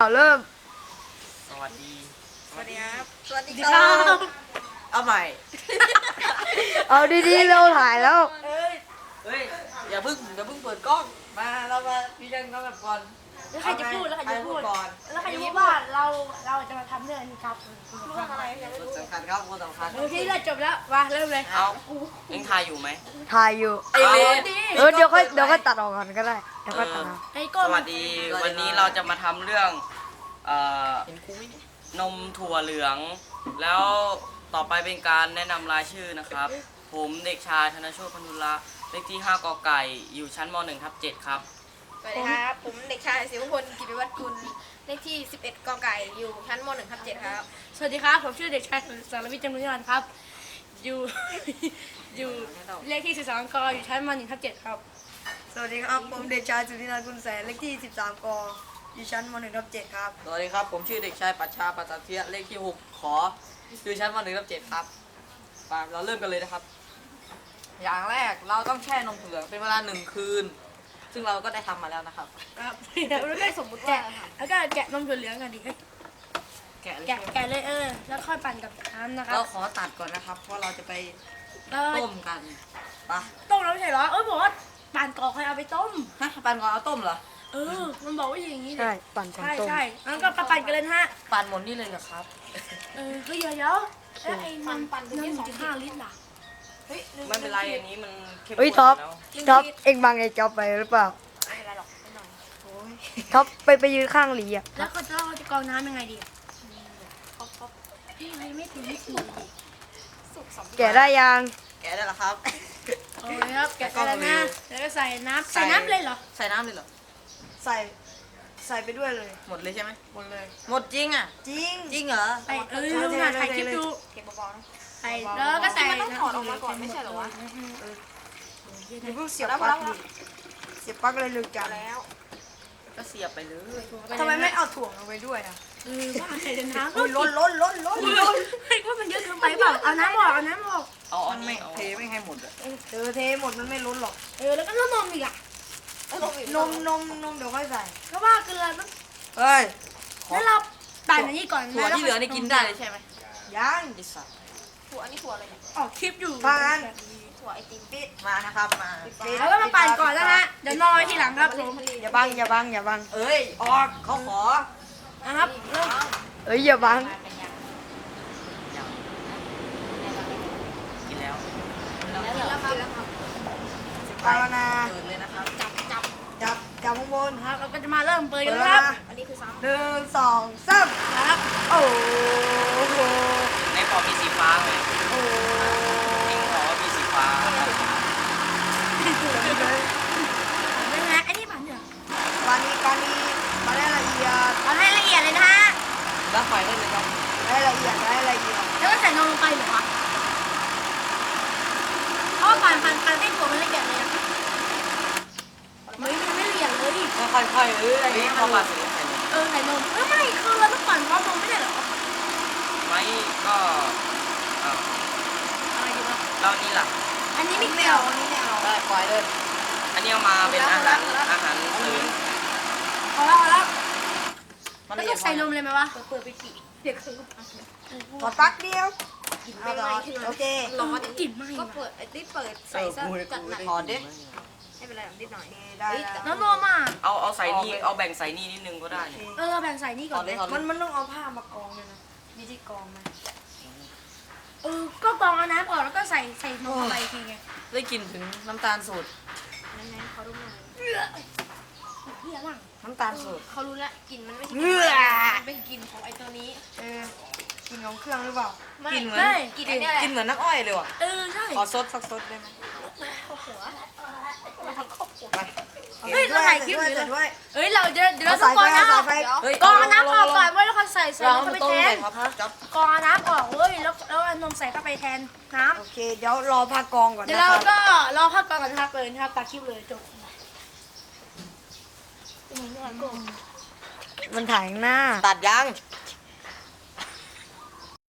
เอาเริ่มสวัสดีสวัสดีครับ สวัสดีคครัรับ บเอาใหม่เอาดีๆเราถ่ายแล้วเฮ้ย อย่าเพิ่งเปิดกล้อง มาเรามาพี่เรื่องน้องแบบก่อนแล้วใครจะพูดแล้วใครจะพูดก่อนแล้วใครจะพูดว่าเราจะมาทำเรื่องนี้ครับเรื่องอะไรยังไม่รู้สำคัญครับคนสำคัญโอเคเราจบแล้วมาเริ่มเลยเอาเอ็งทายอยู่ไหมถ่ายอยู่ไอเลนเดี๋ยวค่อยตัดออกก่อนก็ได้เดี๋ยวค่อยตัดเอาไอ้สก้นวัสดี วันนี้เราจะมาทำเรื่องเอ่อเห็นกูไหมเนี่ยนมถั่วเหลือง แล้วต่อไปเป็นการแนะนำรายชื่อนะครับ ผมเด็กชายธนโชติพันธุระเลขที่ 5 กไก่ อยู่ชั้นม .1/7 ครับสวัสดีครับ ผมเด็กชายศิวพลกิติวัฒน์กุลเลขที่ 11 กไก่ อยู่ชั้นม .1/7 ครับสวัสดีครับผมชื่อเด็กชายสารวิทย์จำนวนยานครับ อยู่ อยู่เลขที่13กอยู่ชั้นม.1/7ครับสวัสดีครับผมเด็กชายสุธินันท์กุลแสนเลขที่13กอยู่ชั้นม .1/7 ครับสวัสดีครับ ผมชื่อเด็กชายปัชชาปัตตเทียเลขที่ 6 ขออยู่ชั้นม .1/7 ครับไปเราเริ่มกันเลยนะครับ อย่างแรกเราต้องแช่นมถั่วเหลืองเป็นเวลา1 คืน ซึ่งเราก็ได้ทำมาแล้วนะครับครับแล้วก็สมมติแกะแล้วก็แกะนมถั่วเหลืองกันดิแกะเลยแกะเลยแล้วค่อยปั่นกับน้ำนะครัเราบขอตัดก่อนนะครับ เพราะเราจะไปแล้วต้มกันไปะต้มแล้วไม่ใช่เหรอบอกว่าปั่นก่อนค่อยเอาไปต้มฮะปันก่อนเอาต้มเหรอมันบอกว่าอย่างนี้ใช่ปั่นก่อนใช่ต้มใช่งั้นก็ปั่นกันเลยนะฮะปั่นหมดนี่เลยเหรอครับเฮ้ยเดี๋ยวแล้วไอ้ปั่นเป็น2.5 ลิตรล่ะเฮ้ยลืไม่เป็นไรอันนี้มันเข้มเฮ้ยข้นท็อปแล้วเอ็งบังไอ้จ๊อบไปหรือเปล่าไม่เป็นไรหรอกไม่หน่อยโอ้ยท็อปไปยืนข้างหลีอ่ะแล้วก็เราจะกรองน้ำยังไงดีพี่อะไรไม่ถึงไม่ถึงสุกสำแกะได้ยังแกะได้เหรอครับโอ้ยครับแกะไปแล้วนะแล้วก็ใส่น้ำเลยเหรอใส่น้ำเลยเหรอใส่ไปด้วยเลยหมดเลยใช่ไหมหมดเลยหมดจริงอ่ะจริงจริงเหรอใส่มาถ่ายคลิปดูเก็บเบาๆนะใส่แล้วก็ใส่มันต้องถอดออกมาก่อนไม่ใช่เหรอวะอย่าเพิ่งเสียบปลั๊กดิเสียบปลั๊กเลยลึกจังแล้วก็เสียบไปเลยทำไมไม่เอาถ่วงเอาไว้ด้วยอ่ะว่าใส่น้ำอุ้ยล้นว่ามันเยอะเกินไปเปล่าเอาน้ำออกเอาน้ำออกเอาอันไม่นี้เอาเทไม่ให้หมดอ่ะเทหมดมันไม่ล้นหรอกแล้วก็นมอีกอ่ะนมเดี๋ยวค่อยใส่ก็ว่ากันเลยเฮ้ยแล้วเราปั่นอันนี้ก่อนถั่วที่เหลือนี่กินได้เลยใช่ไหมยังดิสัตถั่วอันนี้ถั่วอะไรเนี่ยออกคลิปอยู่ฟังอันถั่วไอติมปิดมานะครับมาแล้วก็มาปั่นก่อนนะฮะเดี๋ยวนอนทีหลังครับผมอย่าบังอย่าบังเอ้ย ออกเขาขอนะครับเริ่มเอ้ยอย่าบังอย่างกินแล้วเอาแล้วนะเปิดเลยนะครับจับข้างบนนะครับเราก็จะมาเริ่มเปิดเปิกัดนแล้วครับนะอันนี้คือซ้ 1 2 3 ครับโอ้โหในพอมีสีฟ้าไหมโอ้โหเอ็งบอกว่ามีสีฟ้าเรื่องนะไอ้นี่ปั่นเถอะวันนี้มาได้ละเอียดเอาให้ละเอียดเลยนะฮะแล้วไฟได้เลยครับได้ละเอียดแล้วก็ใส่นมลงไปเหรอวะเพราะว่าปั่นให้ถั่วมันละเอียดเลยอะมันไม่ละเอียดเลยค่อยๆอะไรเฮ้ยเงี้ยพอมาสีใส่นมใส่นมไม่คือเราต้องปั่นพร้อมนมไม่ใช่เหรอไม่ก็อ้าวอะไรดีวะแล้วนี่ล่ะอันนี้ๆไม่ไม่เกี่ยวเอาอันนี้ไม่เอาได้ไฟเลยอันนี้เอามาเป็นอาหารเสริมพอแล้วมันแล้วละเอีต้ยอดงใส่นมเลยไหมวะำเปิดไปกี่เด็กคือขอปักเดียวกินไม่ไหม้ขึ้นมาโอเคร้อนกลิ่นไหม้ก็เปิดไอ้ที่เปิดใส่ซะจัดหนักถอดดิไม่เป็นไรนิดหน่อยได้แล้วน้ำนมอ่ะเอาใส่นี่เอาแบ่งใส่นี่นิดนึงก็ได้นี่แบ่งใส่นี่ถก่ออน ดเลยถอดเลมัยนต้องเอาผ้ามากองเลยนะมีที่กองไหมก็กรองเอาน้ำออกแล้วก็ใส่นมไปทีไงได้กลิ่นถึงน้ำตาลสูตรนั่นๆเขาดูหน่อยเฮียมั่งน้ำตาลสูตรเขารู้ละกลิ่นมันไม่ใช่เอื้อมันเป็นกลิ่นของไอ้ตัวนี้กินของเครื่องหรือเปล่าไม่กลิ่นเหมือนกลิ่นไอ้เนี่ยแหละกลิ่นเหมือนน้ำอ้อยเลยว่ะใช่ขอซดสักซดได้ไหมหัวไปเฮ้ยเราถ่ายคลิปด้วยอยู่ด้วยเฮ้ยเราเดี๋ยวเราเอาต้อสาง ยกรไฟองเอาน้ำอสาอย กไฟเฮ้ยกรองน้ำออกก่อนเว้ยแล้วก็ใส่เรานมมาเข้าไปต้มแทใส่นครับจ๊อบกรองน้ำออกเว้ยแล้วเอานมใส่เข้าไปแทนน้โอเคเดี๋ยวรอพักกองก่อนำเดี๋ยวนะเราครับก็รอพักก่อนกันนะครับเลยนะครับตัดคลิปเลยจบมันถ่ายข้างหน้าตัดยัง